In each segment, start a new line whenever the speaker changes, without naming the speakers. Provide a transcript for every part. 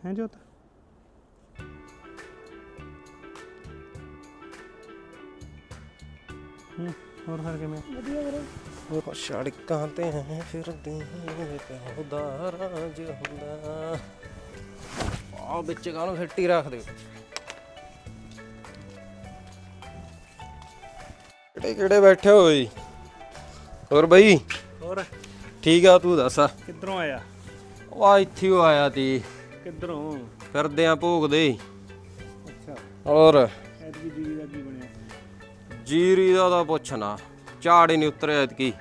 ਹੈ ਜੋਤ। ਹੋਰ ਫਿਰ ਕਿਵੇਂ?
ਵਧੀਆ ਵੀਰੇ।
ਉਹ ਸੜਕਾਂ ਤੇ ਫਿਰਦੀ ਪਿਓ ਦਾ ਰਾਜ ਹੁੰਦਾ। ਆ ਵਿੱਚ ਕਾਹਨੂੰ ਸਿੱਟੀ ਰੱਖ ਦਿਓ। ਕਿਹੜੇ ਕਿਹੜੇ ਬੈਠੇ ਹੋਏ? ਹੋਰ ਬਈ
ਹੋਰ
ਠੀਕ ਆ, ਤੂੰ ਦੱਸ।
ਕਿੱਧਰੋਂ ਆਇਆ?
ਉਹ ਆ ਇੱਥੇ ਹੀ ਆਇਆ ਤੀ,
ਕਿੱਧਰੋਂ?
ਫਿਰਦੇ ਆ ਭੋਗਦੇ।
ਅੱਛਾ,
ਹੋਰ
ਐਤਕੀ ਜੀਰੀ ਦਾ ਕੀ ਬਣਿਆ?
ਜੀਰੀ ਦਾ ਤਾਂ ਪੁੱਛਣਾ, ਝਾੜ ਹੀ ਨਹੀਂ ਉਤਰਿਆ ਐਤਕੀ।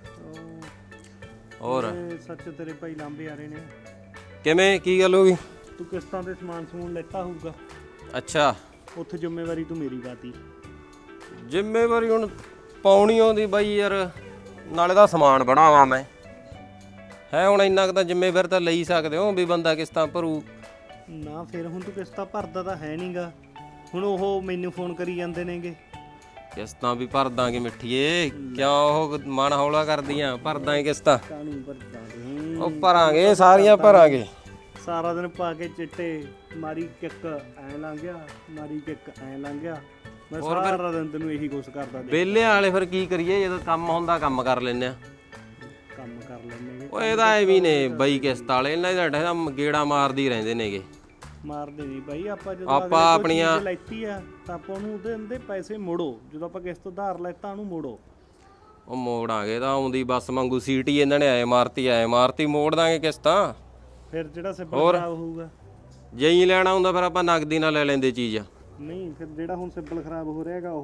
ਹੋਰ
ਸੱਚ ਤੇਰੇ ਭਾਈ ਲਾਂਬੇ ਆ ਰਹੇ ਨੇ।
ਕਿਵੇਂ, ਕੀ ਗੱਲ ਹੋ ਗਈ?
ਤੂੰ ਕਿਸ਼ਤਾਂ ਤੇ ਸਮਾਨ ਸਮੂਨ ਲੈਤਾ ਹੋਊਗਾ,
ਅੱਛਾ,
ਉੱਥੇ ਜ਼ਿੰਮੇਵਾਰੀ ਤੂੰ ਮੇਰੀ ਪਾਤੀ।
ਜ਼ਿੰਮੇਵਾਰੀ ਹੁਣ ਪਾਉਣੀ ਆਉਂਦੀ ਬਾਈ ਯਾਰ, ਨਾਲੇ ਦਾ ਸਮਾਨ ਬਣਾਵਾਂ ਮੈਂ ਹੈ। ਹੁਣ ਇੰਨਾ ਕੁ ਤਾਂ ਜ਼ਿੰਮੇਵਾਰੀ ਤਾਂ ਲਈ ਸਕਦੇ ਹੋ ਵੀ ਬੰਦਾ ਕਿਸ਼ਤਾਂ ਭਰੂ
ਨਾ। ਫਿਰ ਹੁਣ ਤੂੰ ਕਿਸ਼ਤਾਂ ਭਰਦਾ ਤਾਂ ਹੈ ਨਹੀਂਗਾ। ਹੁਣ ਉਹ ਮੈਨੂੰ ਫੋਨ ਕਰੀ ਜਾਂਦੇ ਨੇਗੇ।
ਕਿਸ਼ਤਾਂ ਵੀ ਭਰ ਦਾਂਗੇ ਮਿੱਠੀਏ, ਕਿਉਂ ਉਹ ਮਨ ਹੌਲਾ ਕਰਦੀਆਂ? ਭਰ ਦਾਂਗੇ ਕਿਸ਼ਤਾਂ,
ਕਾਹਨੂੰ ਭਰਦਾ?
ਉਹ ਭਰਾਂਗੇ, ਸਾਰੀਆਂ ਭਰਾਂਗੇ।
ਸਾਰਾ ਦਿਨ ਪਾ ਕੇ ਚਿੱਟੇ ਮਾਰੀ ਕਿੱਕ ਐ ਲੰਘ ਗਿਆ, ਮਾਰੀ ਕਿੱਕ ਐ ਲੰਘ ਗਿਆ। ਮੈਂ ਸਾਰਾ ਦਿਨ ਤੈਨੂੰ ਇਹੀ ਕੁਛ ਕਰਦਾ।
ਵਿਹਲਿਆਂ ਵਾਲੇ ਫਿਰ ਕੀ ਕਰੀਏ, ਜਦੋਂ ਕੰਮ ਹੁੰਦਾ ਕੰਮ ਕਰ ਲੈਂਦੇ ਆ।
ਕੰਮ ਕਰ ਲੈਂਦੇ
ਉਹ ਇਹਦਾ ਐਵੇਂ ਨੇ ਬਈ ਕਿਸ਼ਤ ਵਾਲੇ, ਇਹਨਾਂ ਦਾ ਗੇੜਾ ਮਾਰਦੀ ਰਹਿੰਦੇ ਨੇਗੇ।
ਮਾਰਦੇ ਨਹੀਂ ਬਾਈ। ਆਪਾਂ ਜਦੋਂ
ਆਪਾਂ ਆਪਣੀਆਂ
ਚੀਜ਼ ਲੈਤੀ ਆ ਤਾਂ ਆਪਾਂ ਉਹਨੂੰ ਉਹਦੇ ਅੰਦੇ ਪੈਸੇ ਮੋੜੋ। ਜਦੋਂ ਆਪਾਂ ਕਿਸ਼ਤ ਉਧਾਰ ਲੈਤਾ ਉਹਨੂੰ ਮੋੜੋ।
ਉਹ ਮੋੜਾਂਗੇ ਤਾਂ ਆਉਂਦੀ ਬੱਸ ਵਾਂਗੂ ਸੀਟੀ ਇਹਨਾਂ ਨੇ ਆਏ ਮਾਰਤੀ ਮੋੜ ਦਾਂਗੇ ਕਿਸ਼ਤਾਂ।
ਫਿਰ ਜਿਹੜਾ ਸਿੱਬਲ ਖਰਾਬ ਹੋਊਗਾ,
ਜੇ ਹੀ ਲੈਣਾ ਹੁੰਦਾ ਫਿਰ ਆਪਾਂ ਨਗਦੀ ਨਾਲ ਲੈ ਲੈਂਦੇ ਚੀਜ਼।
ਨਹੀਂ ਫਿਰ ਜਿਹੜਾ ਹੁਣ ਸਿੱਬਲ ਖਰਾਬ ਹੋ ਰਿਹਾ ਹੈਗਾ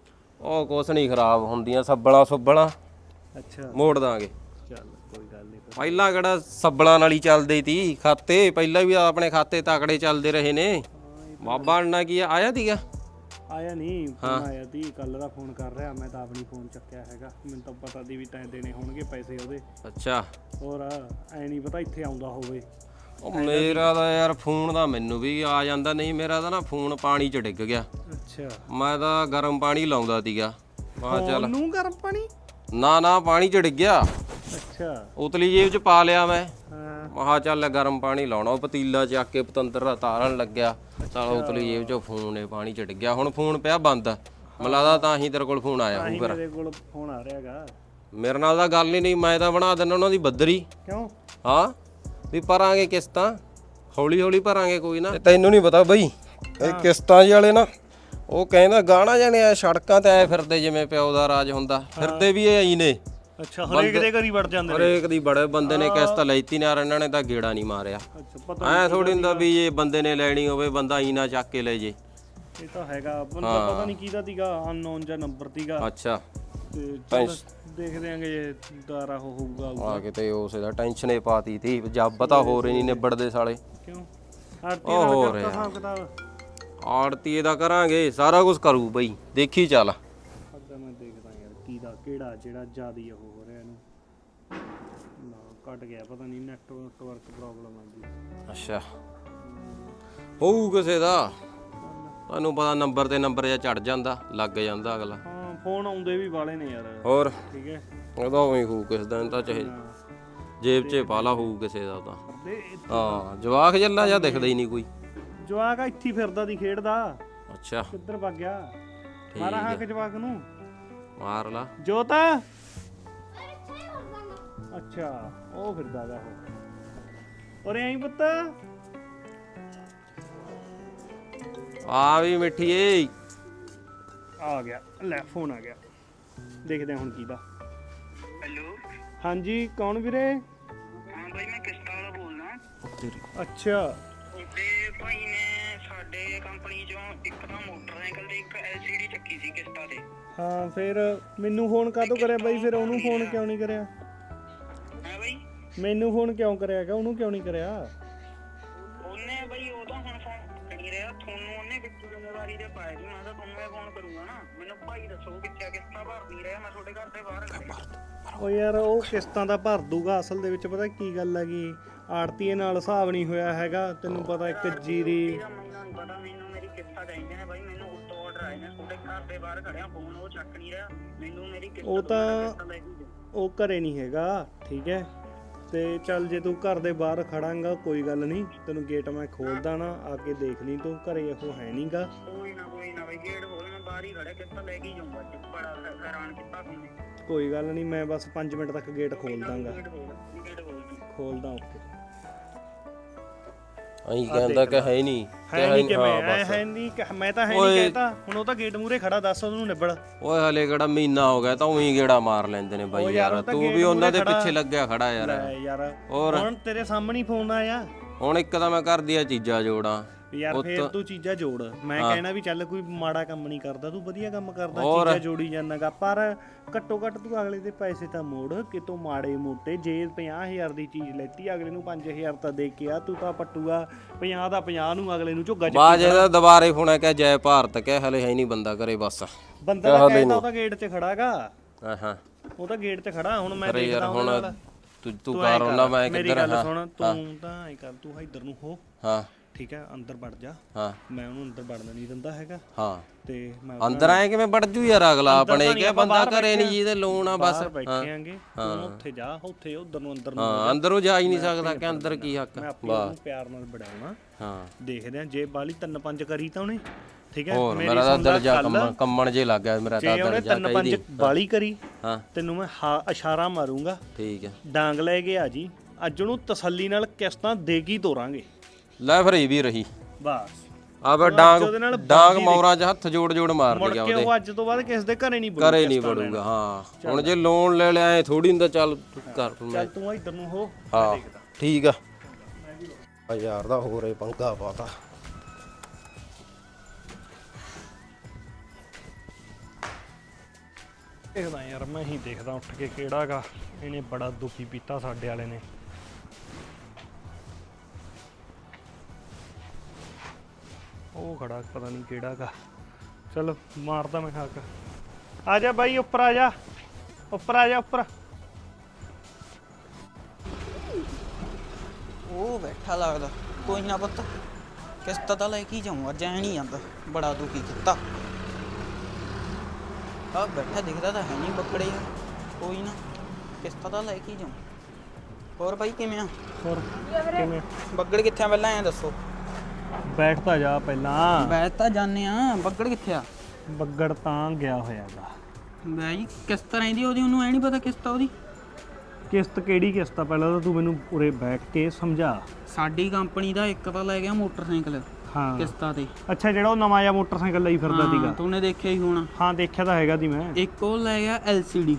ਉਹ ਕੁਛ ਨਹੀਂ ਖਰਾਬ ਹੁੰਦੀਆਂ, ਸੱਬਲਾਂ
ਅੱਛਾ
ਮੋੜ ਦਾਂਗੇ।
ਚੱਲ ਕੋਈ ਗੱਲ ਨਹੀਂ।
ਪਹਿਲਾਂ ਕਿਹੜਾ ਸੱਬਲਾਂ ਨਾਲ ਹੀ ਚੱਲਦੇ ਤੀ ਖਾਤੇ, ਪਹਿਲਾਂ ਵੀ ਆਪਣੇ ਖਾਤੇ ਤਕੜੇ ਚੱਲਦੇ ਰਹੇ ਨੇ। ਬਾਬਾ ਅੰਨਾ ਕੀ ਆਇਆ ਤੀਗਾ?
ਆਇਆ ਨਹੀਂ ਫੋਨ, ਆਇਆ ਤੀ ਕੱਲ ਦਾ ਫੋਨ ਕਰ ਰਿਹਾ। ਮੈਂ ਤਾਂ ਆਪਣੀ ਫੋਨ ਚੱਕਿਆ ਹੈਗਾ, ਮੈਨੂੰ ਤਾਂ ਪਤਾ ਦੀ ਵੀ ਤੈਂ ਦੇਣੇ ਹੋਣਗੇ ਪੈਸੇ ਉਹਦੇ।
ਅੱਛਾ,
ਹੋਰ ਐ ਨਹੀਂ ਪਤਾ ਇੱਥੇ ਆਉਂਦਾ ਹੋਵੇ।
ਉਹ ਮੇਰਾ ਤਾਂ ਯਾਰ ਫੋਨ ਦਾ ਮੈਨੂੰ ਵੀ ਆ ਜਾਂਦਾ, ਨਹੀਂ ਮੇਰਾ ਤਾਂ ਨਾ ਫੋਨ ਪਾਣੀ 'ਚ ਡਿੱਗ ਗਿਆ।
ਅੱਛਾ,
ਮੈਂ ਤਾਂ ਗਰਮ ਪਾਣੀ ਲਾਉਂਦਾ ਤੀਗਾ। ਮੈਂ ਚੱਲ
ਨੂੰ ਗਰਮ ਪਾਣੀ?
ਨਾ ਪਾਣੀ 'ਚ ਡਿੱਗਿਆ।
ਅੱਛਾ,
ਉਤਲੀ ਜੇਬ 'ਚ ਪਾ ਲਿਆ ਮੈਂ।
ਹਾਂ
ਮਹਾ ਚੱਲ ਗਰਮ ਪਾਣੀ ਲਾਉਣਾ, ਉਹ ਪਤੀਲਾ ਚੱਕ ਕੇ ਪਤੰਦਰ ਦਾ ਤਾਰਨ ਲੱਗਿਆ। ਚੱਲ ਉਤਲੀ ਜੇਬ 'ਚੋਂ ਫੋਨ ਨੇ ਪਾਣੀ 'ਚ ਡਿੱਗਿਆ। ਹੁਣ ਫੋਨ ਪਿਆ ਬੰਦ, ਮੈਨੂੰ ਲੱਗਦਾ ਤਾਂ ਹੀ ਤੇਰੇ ਕੋਲ ਫੋਨ ਆਇਆ ਹੋਊ। ਫਿਰ
ਮੇਰੇ ਕੋਲ ਫੋਨ ਆ ਰਿਹਾ ਹੈਗਾ।
ਮੇਰੇ ਨਾਲ ਤਾਂ ਗੱਲ ਹੀ ਨਹੀਂ, ਮੈਂ ਤਾਂ ਬਣਾ ਦਿੰਦਾ ਉਹਨਾਂ ਦੀ ਬੱਦਰੀ।
ਕਿਉਂ?
ਹਾਂ ਵੀ ਭਰਾਂਗੇ ਕਿਸ਼ਤਾਂ, ਹੌਲੀ ਹੌਲੀ ਭਰਾਂਗੇ, ਕੋਈ ਨਾ। ਤੈਨੂੰ ਨਹੀਂ ਪਤਾ ਬਈ, ਇਹ ਕਿਸ਼ਤਾਂ ਵਾਲੇ ਨਾ ਉਹ ਕਹਿੰਦਾ ਗਾਣਾ ਜਾਣੇ ਆ ਸੜਕਾਂ ਤੇ ਆਏ ਫਿਰਦੇ ਜਿਵੇਂ ਪਿਓ ਦਾ ਰਾਜ ਹੁੰਦਾ। ਫਿਰਦੇ ਵੀ ਇਹ ਆਈ ਨੇ।
ਅੱਛਾ, ਹਰੇਕ ਦੇ ਘਰ ਹੀ ਵੜ ਜਾਂਦੇ ਨੇ।
ਹਰੇਕ ਦੀ ਬੜੇ ਬੰਦੇ ਨੇ ਕਿਸ਼ਤ ਲੈਤੀ ਨਾ, ਇਹਨਾਂ ਨੇ ਤਾਂ ਗੇੜਾ ਨਹੀਂ ਮਾਰਿਆ।
ਅੱਛਾ, ਪਤਾ
ਐ ਥੋੜੀ ਹੁੰਦਾ ਵੀ ਇਹ ਬੰਦੇ ਨੇ ਲੈਣੀ ਹੋਵੇ ਬੰਦਾ ਹੀ ਨਾ ਚੱਕ ਕੇ ਲੈ ਜੇ।
ਇਹ ਤਾਂ ਹੈਗਾ, ਬੰਦਾ ਪਤਾ ਨਹੀਂ ਕਿਹਦਾ ਤੀਗਾ, ਅਨਨੋਨ ਜਾਂ ਨੰਬਰ ਤੀਗਾ।
ਅੱਛਾ,
ਤੇ ਚੱਲ ਦੇਖਦੇ ਆਂਗੇ ਜੇ ਦੁਆਰਾ ਹੋਊਗਾ।
ਆ ਕਿਤੇ ਉਸੇ ਦਾ ਟੈਨਸ਼ਨ ਹੀ ਪਾਤੀ ਤੀ, ਜੱਬ ਪਤਾ ਹੋਰ ਹੀ ਨਹੀਂ ਨਿਬੜਦੇ ਸਾਲੇ।
ਕਿਉਂ? ਆਰਤੀ ਨਾਲ ਕਰਤਾ ਹਿਸਾਬ ਕਿਤਾਬ?
ਆੜਤੀ ਦਾ ਕਰਾਂਗੇ, ਸਾਰਾ ਕੁਝ ਕਰੂ ਬਈ, ਦੇਖੀ ਚੱਲ।
ਅੱਗਾ ਮੈਂ ਦੇਖਦਾ ਯਾਰ ਕਿਹਦਾ ਕਿਹੜਾ ਜਿਹੜਾ ਜ਼ਿਆਦੀ ਉਹ ਹੋ ਰਿਹਾ ਇਹਨੂੰ। ਨਾ ਕੱਟ ਗਿਆ, ਪਤਾ ਨਹੀਂ ਨੈਟਵਰਕ ਪ੍ਰੋਬਲਮ ਆ ਗਈ।
ਅੱਛਾ, ਹੋਊ ਕਿਸੇ ਦਾ, ਤੁਹਾਨੂੰ ਪਤਾ ਨੰਬਰ ਤੇ ਨੰਬਰ ਜਾਂ ਚੜ ਜਾਂਦਾ, ਲੱਗ ਜਾਂਦਾ ਅਗਲਾ।
ਹਾਂ, ਫੋਨ ਆਉਂਦੇ ਵੀ ਵਾਲੇ ਨੇ ਯਾਰ।
ਹੋਰ
ਠੀਕ ਹੈ,
ਉਹਦਾ ਉਵੇਂ ਹੋਊ ਕਿਸੇ ਦਾ, ਤਾਂ ਚਾਹੇ ਜੇਬ 'ਚ ਪਾਲਾ ਹੋਊ ਕਿਸੇ ਦਾ ਤਾਂ। ਹਾਂ, ਜਵਾਕ ਜੱਲਾ ਜਾਂ ਦਿਖਦਾ ਹੀ ਨਹੀਂ ਕੋਈ।
ਜਵਾਕ ਇੱਥੇ ਫਿਰਦਾ ਦੀ ਖੇਡਦਾ।
ਅੱਛਾ,
ਕਿੱਧਰ ਭੱਗ ਗਿਆ? ਮਾਰਾ ਹਾਂ ਕਿ ਜਵਾਕ ਨੂੰ
ਮਾਰ ਲਾ।
ਜੋਤ ਅੱਛਾ, ਉਹ ਫਿਰਦਾ ਗਾ ਉਹ। ਔਰ ਐਂ ਪੁੱਤ
ਆ ਵੀ ਮਿੱਠੀਏ
ਆ ਗਿਆ। ਲੈ ਫੋਨ ਆ ਗਿਆ, ਦੇਖਦੇ ਹੁਣ ਕਿਹਦਾ।
ਹੈਲੋ,
ਹਾਂਜੀ ਕੌਣ ਵੀਰੇ?
ਹਾਂ ਬਾਈ ਮੈਂ ਕਿਸ਼ਤਾਂ ਵਾਲਾ ਬੋਲਦਾ।
ਅੱਛਾ,
ਤੇ ਭਾਈ ਨੇ ਸਾਡੇ ਕੰਪਨੀ ਚੋਂ ਇੱਕ ਤਾਂ ਮੋਟਰਸਾਈਕਲ ਤੇ ਇੱਕ LCD ਚੱਕੀ ਸੀ ਕਿਸ਼ਤਾਂ ਤੇ।
ਹਾਂ ਫਿਰ ਮੈਨੂੰ ਫੋਨ ਕਾਹਤੋਂ ਕਰਿਆ ਬਾਈ? ਫਿਰ ਉਹਨੂੰ ਫੋਨ ਕਿਉਂ ਨਹੀਂ ਕਰਿਆ?
ਹੈ ਬਾਈ,
ਮੈਨੂੰ ਫੋਨ ਕਿਉਂ ਕਰਿਆਗਾ, ਉਹਨੂੰ ਕਿਉਂ ਨਹੀਂ ਕਰਿਆ?
ਉਹਨੇ ਬਾਈ ਉਹ ਤਾਂ ਹੁਣ ਫੋਨ ਨਹੀਂ ਰਿਹਾ ਤੁਹਾਨੂੰ, ਉਹਨੇ ਵਿੱਚ ਜ਼ਿੰਮੇਵਾਰੀ ਤੇ ਪਾਇਆ ਸੀ। ਮੈਂ ਤਾਂ ਤੁਹਾਨੂੰ ਇਹ ਫੋਨ ਕਰੂੰਗਾ ਨਾ। ਮੈਨੂੰ ਭਾਈ ਦੱਸੋ ਕਿੱਥੇ ਕਿਸ਼ਤਾਂ ਭਰ ਨਹੀਂ ਰਿਹਾ, ਮੈਂ ਤੁਹਾਡੇ ਘਰ ਦੇ ਬਾਹਰ ਖੜਿਆ।
ਉਹ ਯਾਰ ਉਹ ਕਿਸ਼ਤਾਂ ਦਾ ਭਰ ਦੂਗਾ, ਅਸਲ ਦੇ ਵਿੱਚ ਪਤਾ ਕੀ ਗੱਲ ਹੈਗੀ, ਆੜਤੀਏ ਨਾਲ ਹਿਸਾਬ ਨਹੀਂ ਹੋਇਆ ਹੈਗਾ। ਤੈਨੂੰ ਪਤਾ ਇੱਕ ਜੀਰੀ
ਮੈਨੂੰ ਨਹੀਂ ਪਤਾ, ਮੈਨੂੰ ਮੇਰੀ ਕਿਸ਼ਤਾਂ ਚਾਹੀਦੀਆਂ ਨੇ ਬਾਈ। ਮੈਨੂੰ ਉੱਤੋਂ ਆਰਡਰ ਆਏ ਨੇ, ਤੁਹਾਡੇ ਘਰ ਦੇ ਬਾਹਰ ਖੜਿਆ, ਫੋਨ ਉਹ ਚੱਕ ਨਹੀਂ ਰਿਹਾ। ਮੈਨੂੰ ਮੇਰੀ ਕਿਸ਼ਤ
ਉਹ ਤਾਂ ਉਹ ਘਰੇ ਨਹੀਂ ਹੈਗਾ, ਠੀਕ ਹੈ। ਤੇ ਚੱਲ ਜੇ ਤੂੰ ਘਰ ਦੇ ਬਾਹਰ ਖੜਾਂਗਾ ਕੋਈ ਗੱਲ ਨਹੀਂ, ਤੈਨੂੰ ਗੇਟ ਮੈਂ ਖੋਲਦਾ ਨਾ, ਆ ਕੇ ਦੇਖ ਲਈ ਤੂੰ, ਘਰੇ ਉਹ ਹੈ ਨਹੀਂਗਾ।
ਕੋਈ ਨਾ ਬਈ ਗੇਟ ਖੋਲ, ਮੈਂ ਬਾਹਰ ਹੀ ਖੜਾ, ਕਿੱਥੋਂ ਲੈ ਕੇ ਜਾਊਂਗਾ ਅੱਜ, ਬੜਾ ਹੈਰਾਨ ਕੀਤਾ ਤੁਹਾਨੂੰ।
ਕੋਈ ਗੱਲ ਨਹੀਂ, ਮੈਂ ਬਸ 5 ਮਿੰਟ ਤੱਕ ਗੇਟ ਖੋਲ ਦਾਂਗਾ।
ਗੇਟ ਖੋਲ
ਖੋਲਦਾ ਓਕੇ।
ਅਹੀਂ ਕਹਿੰਦਾ ਕਿ ਹੈ ਨਹੀਂ
ਹੈ ਨਹੀਂ ਕਿ ਮੈਂ ਹੈ ਨਹੀਂ ਮੈਂ ਤਾਂ ਹੈ ਨਹੀਂ ਕਹਿਤਾ, ਹੁਣ ਉਹ ਤਾਂ ਗੇਟ ਮੂਰੇ ਖੜਾ, ਦੱਸ ਉਹਨੂੰ ਨਿਬੜ।
ਓਏ ਹਲੇ ਕਿਹੜਾ ਮਹੀਨਾ ਹੋ ਗਿਆ ਤਾਂ ਉਹੀ ਗੇੜਾ ਮਾਰ ਲੈਂਦੇ ਨੇ ਬਾਈ ਯਾਰ, ਤੂੰ ਵੀ ਉਹਨਾਂ ਦੇ ਪਿੱਛੇ ਲੱਗਿਆ ਖੜਾ ਯਾਰ।
ਯਾਰ
ਹੋਰ
ਹੁਣ ਤੇਰੇ ਸਾਹਮਣੇ ਹੀ ਫੋਨ ਆਇਆ,
ਹੁਣ ਇੱਕ ਤਾਂ ਮੈਂ ਕਰਦੀ ਆ ਚੀਜ਼ਾਂ ਜੋੜਾਂ
ਯਾਰ ਫੇਰ ਤੂੰ ਚੀਜ਼ਾਂ ਜੋੜ। ਮੈਂ ਕਹਿਣਾ ਵੀ ਚੱਲ ਕੋਈ ਮਾੜਾ ਕੰਮ ਨਹੀਂ ਕਰਦਾ, ਤੂੰ ਵਧੀਆ ਕੰਮ ਕਰਦਾ, ਚੀਜ਼ਾਂ ਜੋੜੀ ਜਾਣਾਗਾ। ਪਰ ਘੱਟੋ ਘੱਟ ਤੂੰ ਅਗਲੇ ਦੇ ਪੈਸੇ ਤਾਂ ਮੋੜ, ਕਿਤੋਂ ਮਾੜੇ ਮੋਟੇ। ਜੇ 50,000 ਦੀ ਚੀਜ਼ ਲੈਤੀ, ਅਗਲੇ ਨੂੰ 5,000 ਤਾਂ ਦੇ ਕੇ ਆ, ਤੂੰ ਤਾਂ ਪੱਟੂਗਾ 50 ਦਾ 50 ਨੂੰ ਅਗਲੇ ਨੂੰ ਝੁੱਗਾ
ਬਾਜ ਇਹਦਾ ਦੁਬਾਰੇ ਫੋਨ ਕਹਿ ਜੈ ਭਾਰਤ ਕਹਿ, ਹਲੇ ਹੈ ਨਹੀਂ ਬੰਦਾ ਕਰੇ ਬਸ।
ਬੰਦਾ ਤਾਂ ਕਹਿੰਦਾ ਉਹ ਤਾਂ ਗੇਟ 'ਚ ਖੜਾਗਾ।
ਹਾਂ
ਉਹ ਤਾਂ ਗੇਟ 'ਚ ਖੜਾ, ਹੁਣ ਮੈਂ ਦੇਖਦਾ
ਹੁਣ
ਨਾਲ।
ਤੂੰ ਕਰ ਉਹਨਾਂ ਮੈਂ
ਮੇਰੀ
ਕਿੱਧਰ
ਗੱਲ ਸੁਣ, ਤੂੰ ਤਾਂ ਐ ਕਰ, ਤੂੰ ਇੱਧਰ ਨੂੰ ਹੋ,
ਹਾਂ
ਠੀਕ ਹੈ, ਅੰਦਰ ਵੜ ਜਾ।
ਹਾਂ
ਮੈਂ ਉਹਨੂੰ ਅੰਦਰ ਵੜਨ ਨਹੀਂ ਦਿੰਦਾ ਹੈਗਾ।
ਹਾਂ
ਤੇ ਮੈਂ
ਅੰਦਰ ਆਏ ਕਿਵੇਂ ਵੜ ਜੂ ਯਾਰ, ਅਗਲਾ ਆਪਣੇ ਕਿ ਬੰਦਾ ਘਰੇ ਨਹੀਂ ਜਿਹਦੇ ਲੋਨ ਆ ਬਸ।
ਬੈਠੇ ਆਂਗੇ, ਤੂੰ ਉੱਥੇ ਜਾ, ਉੱਥੇ ਉਧਰ ਨੂੰ ਅੰਦਰ ਨੂੰ।
ਹਾਂ ਅੰਦਰੋਂ ਜਾ ਹੀ ਨਹੀਂ ਸਕਦਾ ਕਿ ਅੰਦਰ ਕੀ ਹੱਕ।
ਮੈਂ ਆਪੇ ਉਹਨੂੰ ਪਿਆਰ ਨਾਲ ਬੜਾਉਣਾ।
ਹਾਂ
ਦੇਖਦੇ ਆ, ਜੇ ਬਾਲੀ 3-5 ਕਰੀ ਤਾਂ ਉਹਨੇ, ਠੀਕ ਹੈ।
ਹੋਰ ਮੇਰਾ ਤਾਂ ਦਿਲ ਜਾ ਕੰਮਣ ਜੇ ਲੱਗ ਗਿਆ ਮੇਰਾ ਤਾਂ
ਜੇ ਉਹਨੇ 3-5 ਬਾਲੀ ਕਰੀ,
ਹਾਂ
ਤੈਨੂੰ ਮੈਂ ਇਸ਼ਾਰਾ ਮਾਰੂੰਗਾ,
ਠੀਕ ਹੈ।
ਡਾਂਗ ਲੈ ਕੇ ਆ ਜੀ, ਅੱਜ ਉਹਨੂੰ ਤਸੱਲੀ ਨਾਲ ਕਿਸ਼ਤਾਂ ਦੇ ਕੇ ਤੋਰਾਂਗੇ।
ਲੈ ਫਿਰ ਇਹ ਵੀ ਰਹੀ
ਬਸ
ਆਵੇ ਡਾਂਗ ਮੌਰਾਂ 'ਚ ਹੱਥ ਜੋੜ ਮਾਰ ਲਿਆ
ਕਿ ਉਹ ਅੱਜ ਤੋਂ ਬਾਅਦ ਕਿਸ ਦੇ ਘਰੇ ਨਹੀਂ ਵੜੂਗਾ।
ਘਰੇ ਨਹੀਂ ਵੜੂਗਾ। ਹਾਂ ਹੁਣ ਜੇ ਲੋਨ ਲੈ ਲਿਆ ਐ ਥੋੜੀ ਹੁੰਦਾ, ਚੱਲ ਕਰ
ਚੱਲ ਤੂੰ ਇੱਧਰ ਨੂੰ ਹੋ,
ਹਾਂ ਠੀਕ ਆ। ਯਾਰ ਦਾ ਹੋਰ ਇਹ ਪੰਗਾ ਪਾਤਾ।
ਦੇਖਦਾ ਯਾਰ, ਮੈਂ ਹੀ ਦੇਖਦਾ ਉੱਠ ਕੇ ਕਿਹੜਾ ਗਾ, ਇਹਨੇ ਬੜਾ ਦੁਖੀ ਪੀਤਾ ਸਾਡੇ ਵਾਲੇ ਨੇ। ਉਹ ਖੜਾ ਪਤਾ ਨਹੀਂ ਕਿਹੜਾ ਗਾ, ਚਲ ਮਾਰਦਾ ਮੈਂ ਹੱਕ। ਆ ਜਾ ਬਾਈ, ਉੱਪਰ ਆ ਜਾ, ਉੱਪਰ ਆ ਜਾ, ਉੱਪਰ।
ਉਹ ਬੈਠਾ ਲੱਗਦਾ, ਕੋਈ ਨਾ ਪੁੱਤ, ਕਿਸ਼ਤ ਤਾਂ ਲੈ ਕੇ ਜਾਊਂ, ਅੱਜ ਐ ਨਹੀਂ ਜਾਂਦਾ, ਬੜਾ ਦੁਖੀ ਕੀਤਾ। ਆ ਬੈਠਾ ਦਿਖਦਾ ਤਾਂ ਹੈ ਨਹੀਂ ਬੱਕੜੇ, ਕੋਈ ਨਾ ਕਿਸ਼ਤ ਤਾਂ ਲੈ ਕੇ ਜਾਊਂ। ਹੋਰ ਬਾਈ ਕਿਵੇਂ ਆ?
ਹੋਰ ਕਿਵੇਂ?
ਬੱਗੜ ਕਿੱਥੇ ਆ ਪਹਿਲਾਂ ਐਂ ਦੱਸੋ।
ਬੈਠ ਤਾਂ ਜਾ ਪਹਿਲਾਂ।
ਬੈਠ ਤਾਂ ਜਾਂਦੇ ਆ, ਬੱਗੜ ਕਿੱਥੇ ਆ?
ਬੱਗੜ ਤਾਂ ਗਿਆ ਹੋਇਆਗਾ।
ਬਾਈ ਕਿਸ਼ਤ ਰਹਿੰਦੀ ਉਹਦੀ, ਉਹਨੂੰ ਐ ਨਹੀਂ ਪਤਾ ਕਿਸ਼ਤ ਉਹਦੀ।
ਕਿਸ਼ਤ ਕਿਹੜੀ ਕਿਸ਼ਤ ਆ? ਪਹਿਲਾਂ ਤਾਂ ਤੂੰ ਮੈਨੂੰ ਉਰੇ ਬੈਠ ਕੇ ਸਮਝਾ।
ਸਾਡੀ ਕੰਪਨੀ ਦਾ ਇੱਕ ਤਾਂ ਲੈ ਗਿਆ ਮੋਟਰਸਾਈਕਲ
ਹਾਂ
ਕਿਸ਼ਤਾਂ ਤੇ।
ਅੱਛਾ, ਜਿਹੜਾ ਉਹ ਨਵਾਂ ਜਿਹਾ ਮੋਟਰਸਾਈਕਲ ਲਈ ਫਿਰਦਾ ਸੀਗਾ।
ਤੂੰ ਦੇਖਿਆ ਹੀ ਹੋਣਾ।
ਹਾਂ ਦੇਖਿਆ ਤਾਂ ਹੈਗਾ ਦੀ ਮੈਂ।
ਇੱਕ ਉਹ ਲੈ ਗਿਆ LCD।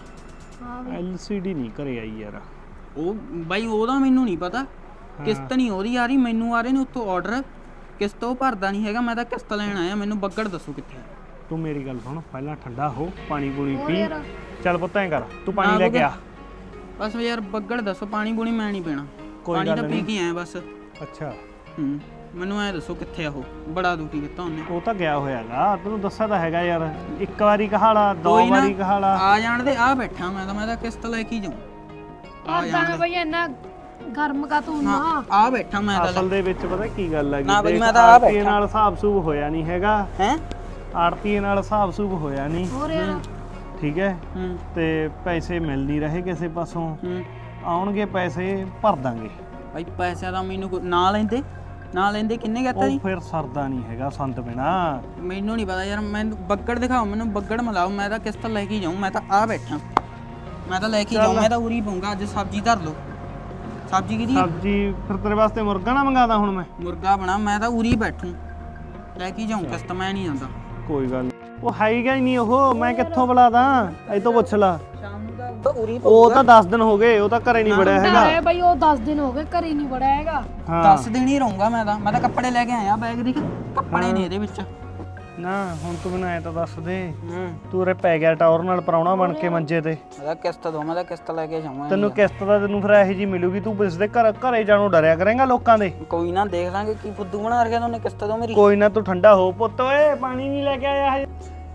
LCD ਨਹੀਂ ਘਰੇ ਆਈ ਯਾਰ।
ਉਹ ਬਾਈ ਉਹਦਾ ਮੈਨੂੰ ਨਹੀਂ ਪਤਾ, ਕਿਸ਼ਤ ਨਹੀਂ ਉਹਦੀ ਆ ਰਹੀ, ਮੈਨੂੰ ਆ ਰਹੇ ਨੇ ਉੱਥੋਂ ਆਰਡਰ, ਕਿਸ਼ਤ ਉਹ ਭਰਦਾ ਨਹੀਂ ਹੈਗਾ। ਮੈਂ ਤਾਂ ਕਿਸ਼ਤ ਲੈਣ ਆਇਆ, ਮੈਨੂੰ ਬੱਗੜ ਦੱਸੋ ਕਿੱਥੇ।
ਤੂੰ ਮੇਰੀ ਗੱਲ ਸੁਣ, ਪਹਿਲਾਂ ਠੰਡਾ ਹੋ, ਪਾਣੀ ਪੂਣੀ ਪੀ। ਚੱਲ ਪੁੱਤ ਐਂ ਕਰ, ਤੂੰ ਪਾਣੀ ਲੈ ਕੇ ਆ।
ਬਸ ਯਾਰ ਬੱਗੜ ਦੱਸੋ, ਪਾਣੀ ਪੂਣੀ ਮੈਂ ਨਹੀਂ ਪੀਣਾ, ਪਾਣੀ ਤਾਂ ਪੀ ਕੇ ਆਇਆ ਬਸ।
ਅੱਛਾ
ਮੈਨੂੰ ਐ ਦੱਸੋ ਕਿੱਥੇ ਆ ਉਹ, ਬੜਾ ਦੁਖੀ ਕੀਤਾ ਉਹਨੇ।
ਉਹ ਤਾਂ ਗਿਆ ਹੋਇਆਗਾ, ਤੈਨੂੰ ਦੱਸਿਆ ਤਾਂ ਹੈਗਾ ਯਾਰ। ਇੱਕ ਵਾਰੀ ਕਹਾਲਾ, ਦੋ ਵਾਰੀ ਕਹਾਲਾ।
ਆ ਜਾਣ ਦੇ, ਆ ਬੈਠਾ ਮੈਂ ਤਾਂ ਕਿਸ਼ਤ ਲੈ ਕੇ ਜਾਉਂ।
ਆ ਜਾਣ ਬਈ ਇੰਨਾ ਗਰਮ ਕਾ ਤੂੰ ਨਾ
ਆ ਬੈਠਾ ਮੈਂ ਤਾਂ।
ਅਸਲ ਦੇ ਵਿੱਚ ਪਤਾ ਕੀ ਗੱਲ ਹੈਗੀ,
ਨਾ ਬਈ ਮੈਂ ਤਾਂ ਆ ਬੈਠਾ
ਨਾਲ ਹਿਸਾਬ ਸੂਬ ਹੋਇਆ ਨਹੀਂ ਹੈਗਾ
ਹੈ।
ਆੜਤੀਏ ਨਾਲ ਹਿਸਾਬ ਸੂਬ ਹੋਇਆ ਨਹੀਂ,
ਹੋਰ ਯਾਰ।
ਠੀਕ ਹੈ। ਤੇ ਪੈਸੇ ਮਿਲ ਨਹੀਂ ਰਹੇ ਕਿਸੇ ਪਾਸੋਂ। ਆਉਣਗੇ ਪੈਸੇ, ਭਰ ਦਾਂਗੇ।
ਭਾਈ ਪੈਸਿਆਂ ਦਾ ਮੈਨੂੰ ਨਾ ਲੈਂਦੇ ਕਿੰਨੇ ਕਹਤਾ ਜੀ?
ਉਹ ਫਿਰ ਸਰਦਾ ਨਹੀਂ ਹੈਗਾ ਸੰਤ ਬਿਨਾ।
ਮੈਨੂੰ ਨਹੀਂ ਪਤਾ ਯਾਰ, ਮੈਨੂੰ ਬੱਗੜ ਦਿਖਾਓ, ਮੈਨੂੰ ਬੱਗੜ ਮਿਲਾਓ, ਮੈਂ ਤਾਂ ਕਿਸ਼ਤ ਲੈ ਕੇ ਜਾਊਂ। ਮੈਂ ਤਾਂ ਆ ਬੈਠਾ, ਮੈਂ ਤਾਂ ਲੈ ਕੇ ਜਾਊਂ, ਮੈਂ ਤਾਂ ਉਰੀ ਪਊਂਗਾ। ਅੱਜ ਸਬਜ਼ੀ ਧਰ ਲਓ। ਸਬਜ਼ੀ ਕਿਹਦੀ?
ਸਬਜ਼ੀ ਫਿਰ ਤੇਰੇ ਵਾਸਤੇ ਮੁਰਗਾ ਨਾ ਮੰਗਾਦਾ ਹੁਣ ਮੈਂ।
ਮੁਰਗਾ ਬਣਾ, ਮੈਂ ਤਾਂ ਉਰੀ ਬੈਠੂ, ਲੈ ਕੇ ਜਾਊਂ ਕਿਸ਼ਤ, ਮੈਂ ਨਹੀਂ ਜਾਂਦਾ।
ਕੋਈ ਗੱਲ ਉਹ ਹੈਗਾ ਹੀ ਨਹੀਂ ਉਹ, ਮੈਂ ਕਿੱਥੋਂ ਬੁਲਾਦਾ? ਇਹ ਤੋਂ ਪੁੱਛ ਲਾ।
ਸ਼ਾਮ ਨੂੰ ਤਾਂ ਉਰੀ
ਉਹ ਤਾਂ 10 ਦਿਨ ਹੋ ਗਏ, ਉਹ ਤਾਂ ਘਰੇ ਨਹੀਂ ਵੜਿਆ ਹੈਗਾ।
ਹੈ ਬਈ, ਉਹ 10 ਦਿਨ ਹੋ ਗਏ ਘਰੇ ਨਹੀਂ ਵੜਿਆ ਹੈਗਾ।
10 ਦਿਨ ਹੀ ਰਹੂੰਗਾ ਮੈਂ ਤਾਂ ਕੱਪੜੇ ਲੈ ਕੇ ਆਇਆ, ਬੈਗ ਦੇ ਕੱਪੜੇ ਨੇ ਇਹਦੇ ਵਿੱਚ।
ਨਾ ਹੁਣ ਤੂੰ ਮੈਨੂੰ ਐ ਤਾਂ ਦੱਸ ਦੇ, ਤੂੰ ਉਰੇ ਪੈ ਗਿਆ ਟੌਰ ਨਾਲ ਪ੍ਰਾਹੁਣਾ ਬਣ ਕੇ ਮੰਜੇ ਤੇ।
ਮੈਂ ਤਾਂ ਕਿਸ਼ਤ ਦੋ, ਮੈਂ ਤਾਂ ਕਿਸ਼ਤ ਲੈ ਕੇ ਜਾਵਾਂ।
ਤੈਨੂੰ ਕਿਸ਼ਤ ਦਾ ਤੈਨੂੰ ਫਿਰ ਇਹੋ ਜੀ ਮਿਲੂਗੀ, ਤੂੰ ਇਸ ਦੇ ਘਰੇ ਜਾਣੋਂ ਡਰਿਆ ਕਰੇਂਗਾ ਲੋਕਾਂ ਦੇ।
ਕੋਈ ਨਾ ਦੇਖ ਲਾਂਗੇ ਕੀ ਫੁੱਦੂ ਬਣਾ ਰੱਖਿਆ ਉਹਨੇ, ਕਿਸ਼ਤ ਦੋ ਮੇਰੀ।
ਕੋਈ ਨਾ, ਤੂੰ ਠੰਡਾ ਹੋ ਪੁੱਤ। ਓਏ ਪਾਣੀ ਨਹੀਂ ਲੈ ਕੇ ਆਇਆ ਹਜੇ?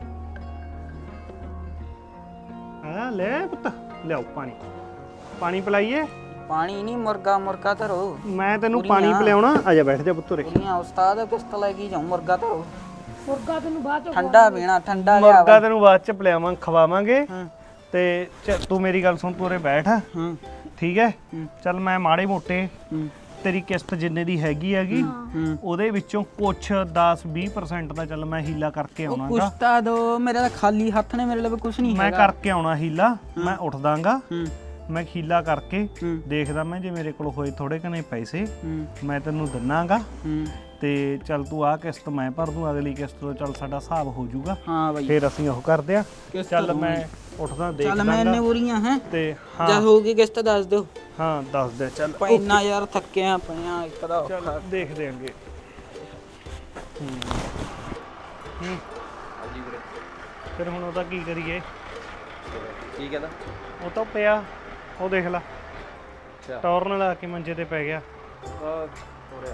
ਹਾਂ ਲੈ ਪੁੱਤ, ਲਿਆਓ ਪਾਣੀ ਪਿਲਾਈਏ।
ਪਾਣੀ ਨਹੀਂ, ਮੁਰਗਾ ਧਰੋ।
ਮੈਂ ਤੈਨੂੰ ਪਾਣੀ ਪਿਲਾਉਣਾ, ਆ ਜਾ ਬੈਠ ਜਾ ਪੁੱਤ ਉਰੇ।
ਕੁੜੀਆਂ ਉਸਤਾਦ ਕਿਸ਼ਤ ਲੈ ਕੇ ਜਾਊਂ, ਮੁਰਗਾ ਧਰੋ।
ਮੁਰਗਾ ਤੈਨੂੰ ਬਾਅਦ ਚ
ਠੰਡਾ ਪੀਣਾ, ਠੰਡਾ ਲਿਆ।
ਮੁਰਗਾ ਤੈਨੂੰ ਬਾਅਦ ਚ ਪਿਲਾਵਾਂ, ਖਵਾਵਾਂਗੇ। ਤੇ ਤੂੰ ਮੇਰੀ ਗੱਲ ਸੁਣ, ਤੂੰ ਉਰੇ ਬੈਠ। ਠੀਕ ਹੈ
ਹੂੰ।
ਚੱਲ ਮੈਂ ਮਾੜੇ ਮੋਟੇ
ਹੂੰ
ਤੇਰੀ ਕਿਸ਼ਤ ਜਿੰਨੇ ਦੀ ਹੈਗੀ
ਹੂੰ
ਉਹਦੇ ਵਿੱਚੋਂ ਕੁਛ 10-20% ਦਾ ਚੱਲ ਮੈਂ ਹੀਲਾ ਕਰਕੇ
ਉਹ
ਆਉਣਾਗਾ
ਕੁਛ ਤਾਂ ਦੋ, ਮੇਰੇ ਤਾਂ ਖਾਲੀ ਹੱਥ ਨੇ, ਮੇਰੇ ਲਈ ਕੁਛ ਨਹੀਂ
ਮੈਂ
ਹੈਗਾ।
ਕਰਕੇ ਆਉਣਾ ਹੀਲਾ ਮੈਂ ਉੱਠਦਾਗਾ
ਹੂੰ
ਮੈਂ ਹੀਲਾ ਕਰਕੇ
ਹੂੰ
ਦੇਖਦਾ ਮੈਂ ਜੇ ਮੇਰੇ ਕੋਲ ਹੋਏ ਥੋੜੇ ਕਨੇ ਪੈਸੇ
ਹੂੰ
ਮੈਂ ਤੈਨੂੰ ਦਿਨਾਗਾ
ਹੂੰ
ਤੇ ਚੱਲ ਤੂੰ ਆਹ ਕਿਸ਼ਤ ਮੈਂ ਭਰ ਦੂੰ ਅਗਲੀ ਕਿਸ਼ਤ ਤੋਂ ਚੱਲ ਸਾਡਾ ਹਿਸਾਬ ਹੋ ਜਾਊਗਾ
ਹਾਂ ਬਾਈ
ਫਿਰ ਅਸੀਂ ਉਹ ਕਰਦੇ ਆ
ਕਿਸ਼ਤ
ਚੱਲ
ਦਊਂਗੀ।
ਮੈਂ ਉੱਠਦਾ
ਚੱਲ ਮੈਂ ਇੰਨੇ
ਦੇਖਦਾਗਾ
ਬੁਰੀਆਂ ਹੈ
ਤੇ
ਜਦ
ਹਾਂ
ਹੋਊਗੀ ਕਿਸ਼ਤ ਦੱਸ ਦਿਓ।
ਹਾਂ ਦੱਸ ਦੇ ਚੱਲ
ਪੈਨਾ ਯਾਰ ਥੱਕਿਆ ਪਿਆ ਇੱਕ ਦਾ
ਚੱਲ ਦੇਖਦੇ ਆਂਗੇ ਹੂੰ
ਹਾਂਜੀ ਵੀਰੇ
ਫਿਰ ਹੁਣ ਉਹਦਾ ਕੀ ਕਰੀਏ
ਕੀ ਕਹਿੰਦਾ
ਉਹ ਤਾਂ ਪਿਆ ਉਹ ਦੇਖ ਲੈ
ਅੱਛਾ
ਟੌਰਨ ਲਾ ਕੇ ਮੰਜੇ ਤੇ ਪੈ ਗਿਆ
ਹੋ ਰਿਹਾ